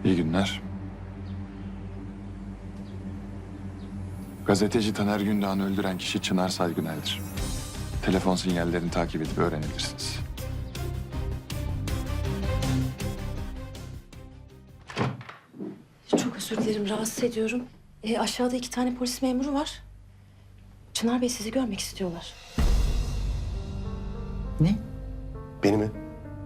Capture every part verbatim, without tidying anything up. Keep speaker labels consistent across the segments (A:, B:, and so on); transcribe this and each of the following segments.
A: İyi günler. Gazeteci Taner Gündoğan'ı öldüren kişi Çınar Saygıner'dir. Telefon sinyallerini takip edip öğrenebilirsiniz.
B: Çok özür dilerim, rahatsız ediyorum. E, aşağıda iki tane polis memuru var. Çınar Bey sizi görmek istiyorlar.
C: Ne?
D: Beni mi?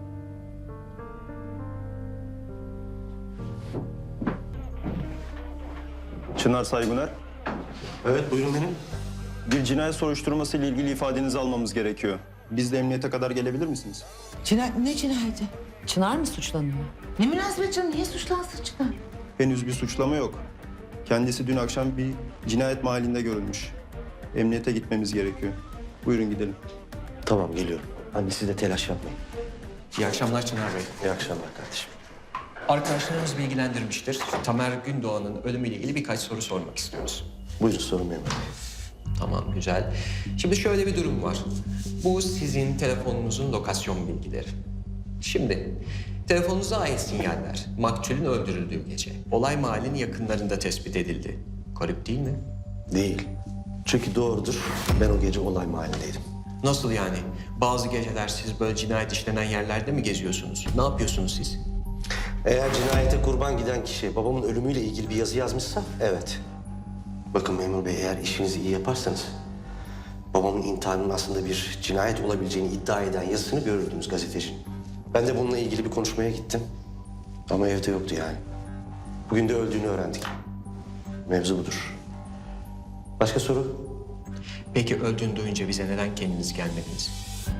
E: Çınar Saygıner,
D: Evet, buyurun benim.
E: bir cinayet soruşturması ile ilgili ifadenizi almamız gerekiyor. Biz de emniyete kadar gelebilir misiniz?
C: Cinayet, ne cinayeti?
F: Çınar mı suçlanıyor?
C: Ne münasebet canım, niye suçlansın Çınar?
E: Henüz bir suçlama yok. Kendisi dün akşam bir cinayet mahallinde görülmüş. Emniyete gitmemiz gerekiyor. Buyurun gidelim.
D: Tamam, geliyorum. Anne siz de telaş yapmayın.
G: İyi akşamlar Çınar Bey.
D: İyi akşamlar kardeşim.
G: Arkadaşlarımız bilgilendirmiştir. Tamer Gündoğan'ın ölümüyle ilgili birkaç soru sormak istiyoruz.
D: Buyurun sorun memur bey.
G: Tamam, güzel. Şimdi şöyle bir durum var. Bu sizin telefonunuzun lokasyon bilgileri. Şimdi telefonunuza ait sinyaller maktulün öldürüldüğü gece olay mahallinin yakınlarında tespit edildi. Garip değil mi?
D: Değil. Çünkü doğrudur. Ben o gece olay mahallindeydim.
G: Nasıl yani? Bazı geceler siz böyle cinayet işlenen yerlerde mi geziyorsunuz? Ne yapıyorsunuz siz?
D: Eğer cinayete kurban giden kişi babamın ölümüyle ilgili bir yazı yazmışsa evet. Bakın memur bey, eğer işinizi iyi yaparsanız babamın intiharının aslında bir cinayet olabileceğini iddia eden yazısını görürdünüz gazetecinin. Ben de bununla ilgili bir konuşmaya gittim. Ama evde yoktu yani. Bugün de öldüğünü öğrendik. Mevzu budur. Başka soru?
G: Peki öldüğünü duyunca bize neden kendiniz gelmediniz?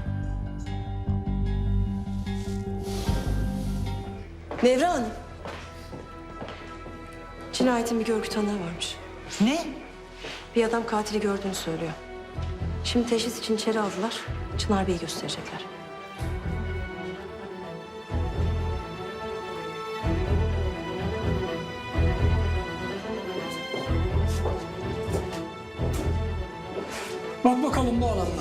B: Nevra Hanım. Cinayetin bir görgü tanığı varmış.
C: Ne?
B: Bir adam katili gördüğünü söylüyor. Şimdi teşhis için içeri aldılar. Çınar Bey'i gösterecekler.
H: Bak bakalım bu adamla.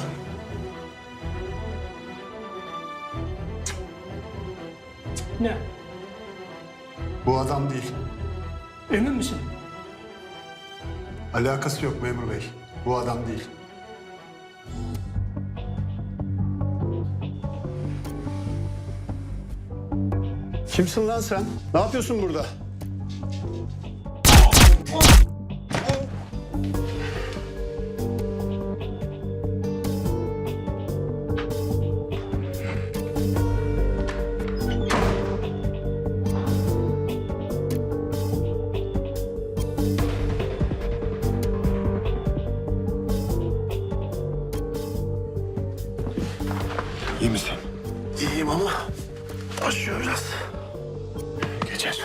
H: Ne?
I: Bu adam değil.
H: Emin misin?
I: Alakası yok memur bey. Bu adam değil. Kimsin lan sen? Ne yapıyorsun burada?
A: İyi misin?
D: İyiyim ama başlıyor biraz.
A: Geçer.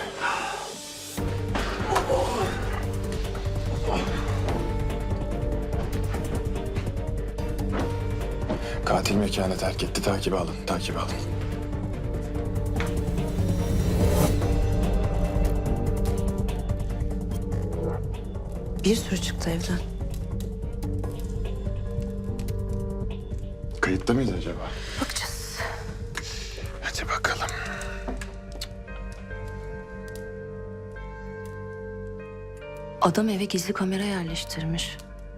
A: Katil mekanı terk etti. Takibi alın, takibi alın.
B: Bir sürü çıktı evden.
A: Kayıtta mıydı acaba?
B: Bakacağız.
A: Hadi bakalım.
B: Adam eve gizli kamera yerleştirmiş.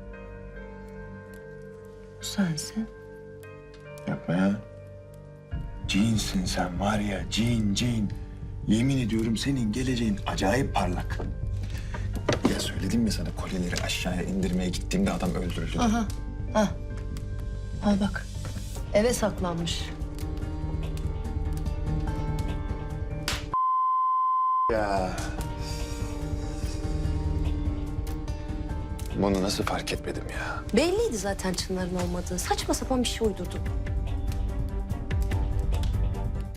B: Bu sensin.
A: Yapma ya. Cinsin sen var ya, cin cin. Yemin ediyorum senin geleceğin acayip parlak. Ya söyledim mi sana, kolyeleri aşağıya indirmeye gittiğimde adam öldürüldü.
B: Aha. Ha. Al bak. Eve saklanmış.
A: Ya. Bunu nasıl fark etmedim ya?
B: Belliydi zaten Çınar'ın olmadığı. Saçma sapan bir şey uydurdu.